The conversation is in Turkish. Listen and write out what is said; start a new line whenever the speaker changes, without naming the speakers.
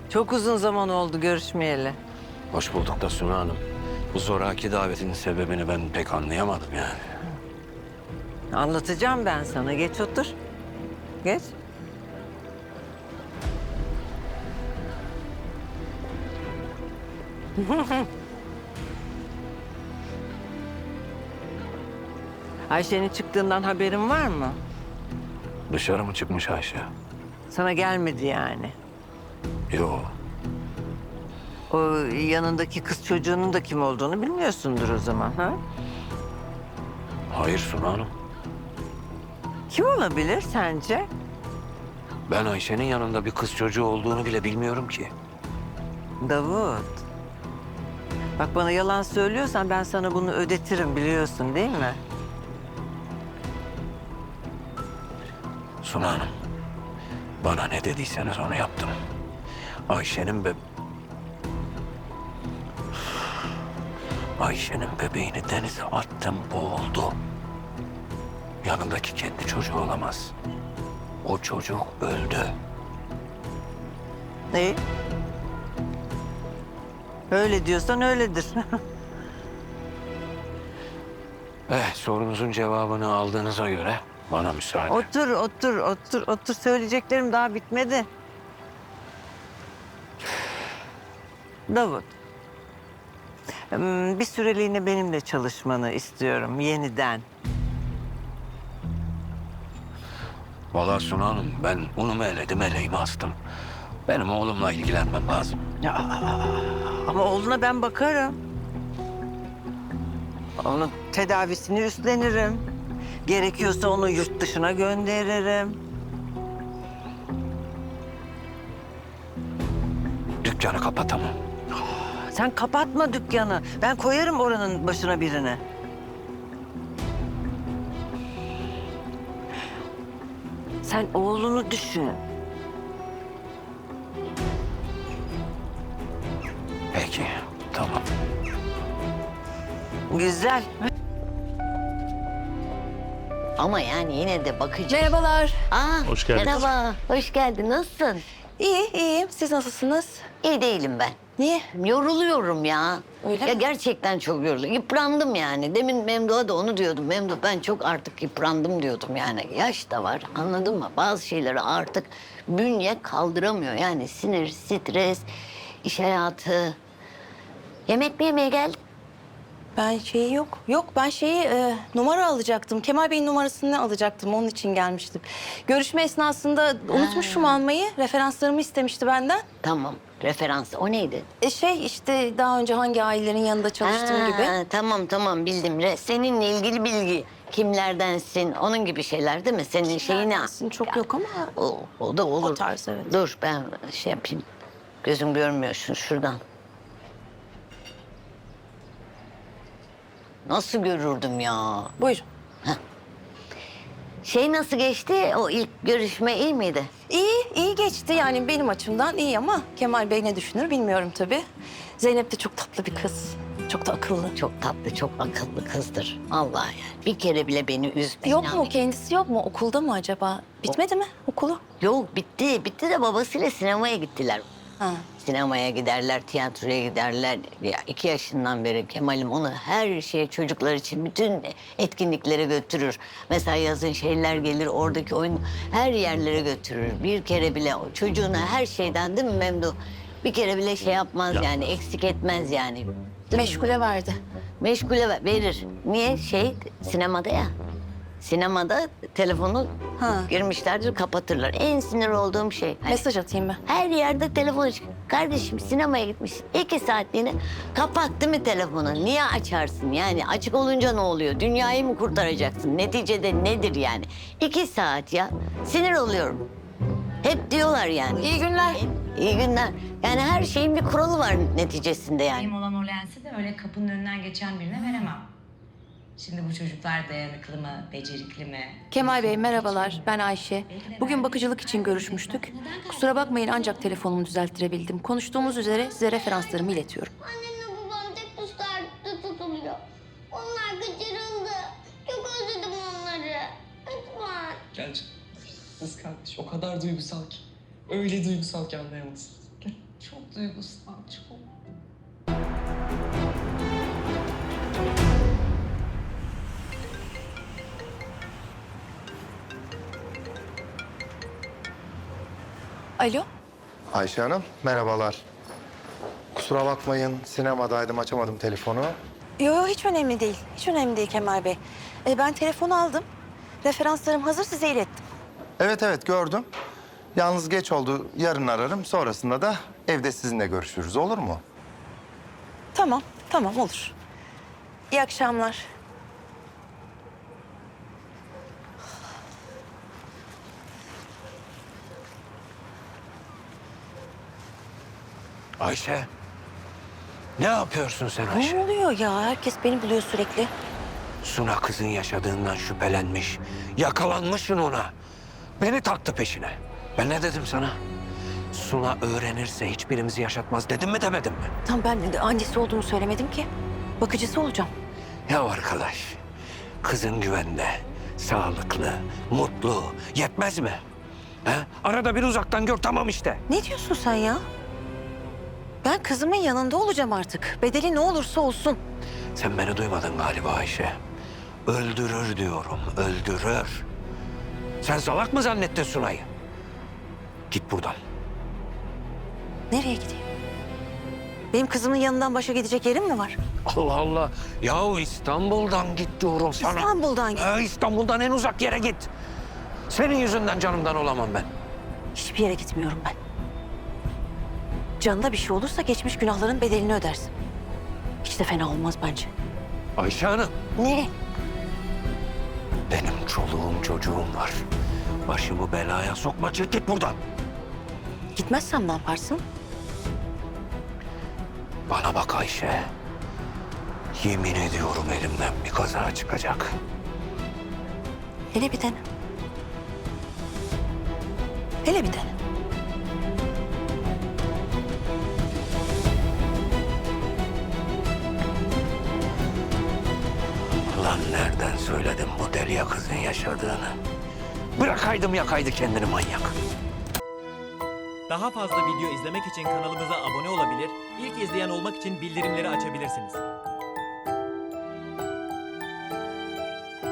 Çok uzun zaman oldu görüşmeyeli.
Hoş bulduk da Suna Hanım. Bu zoraki davetinin sebebini ben pek anlayamadım yani.
Anlatacağım ben sana. Geç otur. Geç. Ayşe'nin çıktığından haberin var mı?
Dışarı mı çıkmış Ayşe?
Sana gelmedi yani.
Yo.
O yanındaki kız çocuğunun da kim olduğunu bilmiyorsundur o zaman, ha?
Hayır Suna Hanım.
Kim olabilir sence?
Ben Ayşe'nin yanında bir kız çocuğu olduğunu bile bilmiyorum ki.
Davut. Bak bana yalan söylüyorsan ben sana bunu ödetirim biliyorsun değil mi?
Suna Hanım. Bana ne dediyseniz onu yaptım. Ayşe'nin bebeğini denize attım, boğuldu. Yanındaki kendi çocuğu olamaz. O çocuk öldü.
İyi. Öyle diyorsan öyledir.
Sorunuzun cevabını aldığınıza göre bana müsaade.
Otur. Söyleyeceklerim daha bitmedi. Davut. Bir süreliğine benimle çalışmanı istiyorum yeniden.
Vallahi Suna Hanım, ben unumu eledim, eleğimi astım. Benim oğlumla ilgilenmem lazım.
Ama oğluna ben bakarım. Onun tedavisini üstlenirim. Gerekiyorsa onu yurt dışına gönderirim.
Dükkanı kapatamam.
Sen kapatma dükkanı. Ben koyarım oranın başına birini. Sen oğlunu düşün.
Peki, tamam.
Güzel.
Ama yani yine de bakıcı.
Merhabalar.
Hoş geldin. Merhaba, hoş geldin. Nasılsın?
İyiyim. Siz nasılsınız?
İyi değilim ben.
Niye?
Yoruluyorum ya.
Öyle
Ya
mi?
gerçekten çok yoruldum. Yıprandım yani. Demin Memduh'a da onu diyordum. Memduh ben çok artık yıprandım diyordum yani. Yaş da var anladın mı? Bazı şeyleri artık bünye kaldıramıyor. Yani sinir, stres, iş hayatı. Yemek mi yemeye geldin?
Ben yok. Yok ben numara alacaktım. Kemal Bey'in numarasını alacaktım. Onun için gelmiştim. Görüşme esnasında unutmuşum almayı. Referanslarımı istemişti benden.
Tamam. Referans. O neydi?
İşte daha önce hangi ailelerin yanında çalıştığım gibi.
Tamam bildim. Seninle ilgili bilgi. Kimlerdensin? Onun gibi şeyler değil mi? Senin şeyini...
Kimlerdensin çok yok ama
O da olur.
o tarz, evet.
Dur ben şey yapayım. Gözüm görmüyor şuradan. Nasıl görürdüm ya?
Buyurun.
Şey nasıl geçti? O ilk görüşme iyi miydi?
İyi geçti yani benim açımdan iyi ama Kemal Bey ne düşünür bilmiyorum tabii. Zeynep de çok tatlı bir kız. Çok da akıllı.
Çok tatlı, çok akıllı kızdır. Allah yani. Bir kere bile beni üzme.
Yok
inan.
mu? Kendisi yok mu? Okulda mı acaba? Bitmedi mi okulu?
Yok bitti. Bitti de babasıyla sinemaya gittiler.
Ha.
Sinemaya giderler, tiyatroya giderler. Ya 2 yaşından beri Kemal'im onu her şeye çocuklar için bütün etkinliklere götürür. Mesela yazın şeyler gelir, oradaki oyun her yerlere götürür. Bir kere bile o çocuğuna her şeyden değil mi Memduh? Bir kere bile şey yapmaz yani, eksik etmez yani. Değil mi?
Meşgule verdi.
Meşgule verir. Niye? Sinemada ya. Sinemada telefonu girmişlerdir, kapatırlar. En sinir olduğum şey. Hani
Mesaj atayım ben.
her yerde telefon çıkıyor. Kardeşim sinemaya gitmiş 2 saatliğine kapattı mı telefonu? Niye açarsın yani? Açık olunca ne oluyor? Dünyayı mı kurtaracaksın? Neticede nedir yani? 2 saat ya. Sinir oluyorum. Hep diyorlar yani.
İyi günler.
İyi günler. Yani her şeyin bir kuralı var neticesinde yani.
Benim olan o lensi de öyle kapının önünden geçen birine veremem. Şimdi bu çocuklar dayanıklı mı, becerikli mi?
Kemal Bey merhabalar. Ben Ayşe. Bugün bakıcılık için görüşmüştük. Kusura bakmayın ancak telefonumu düzelttirebildim. Konuştuğumuz üzere size referanslarımı iletiyorum.
Annemle babam tek dışarıda tutuluyor. Onlar kaçırıldı. Çok özledim onları. Lütfen.
Gel canım. Kız kardeş o kadar duygusal ki. Öyle duygusal ki anlayamazsın. Gel.
Çok duygusal, çok.
Alo?
Ayşe Hanım, merhabalar. Kusura bakmayın, sinemadaydım, açamadım telefonu.
Yo yo, hiç önemli değil. Hiç önemli değil Kemal Bey. Ben telefonu aldım. Referanslarım hazır, size ilettim.
Evet, gördüm. Yalnız geç oldu, yarın ararım. Sonrasında da evde sizinle görüşürüz, olur mu?
Tamam, tamam olur. İyi akşamlar.
Ayşe. Ne yapıyorsun sen
Ne
Ayşe?
oluyor ya? Herkes beni buluyor sürekli.
Suna kızın yaşadığından şüphelenmiş. Yakalanmışsın ona. Beni taktı peşine. Ben ne dedim sana? Suna öğrenirse hiçbirimizi yaşatmaz dedim mi demedim mi?
Tam ben de annesi olduğumu söylemedim ki. Bakıcısı olacağım.
Ya arkadaş, kızın güvende, sağlıklı, mutlu, yetmez mi? He? Arada bir uzaktan gör, tamam işte.
Ne diyorsun sen ya? Ben kızımın yanında olacağım artık. Bedeli ne olursa olsun.
Sen beni duymadın galiba Ayşe. Öldürür diyorum, öldürür. Sen salak mı zannettin Sunay'ı? Git buradan.
Nereye gideyim? Benim kızımın yanından başa gidecek yerim mi var?
Allah Allah. Yahu İstanbul'dan git diyorum sana.
İstanbul'dan git.
İstanbul'dan en uzak yere git. Senin yüzünden canımdan olamam ben.
Hiçbir yere gitmiyorum ben. Canına bir şey olursa geçmiş günahların bedelini ödersin. Hiç de fena olmaz bence.
Ayşe Hanım.
Ne?
Benim çoluğum çocuğum var. Başımı belaya sokma, çık git buradan.
Gitmezsem ne yaparsın?
Bana bak Ayşe. Yemin ediyorum elimden bir kaza çıkacak.
Hele bir dene. Hele bir dene.
Lan nereden söyledim bu deliye kızın yaşadığını? Bırakaydım yakaydı kendini manyak.
Daha fazla video izlemek için kanalımıza abone olabilir, ilk izleyen olmak için bildirimleri açabilirsiniz.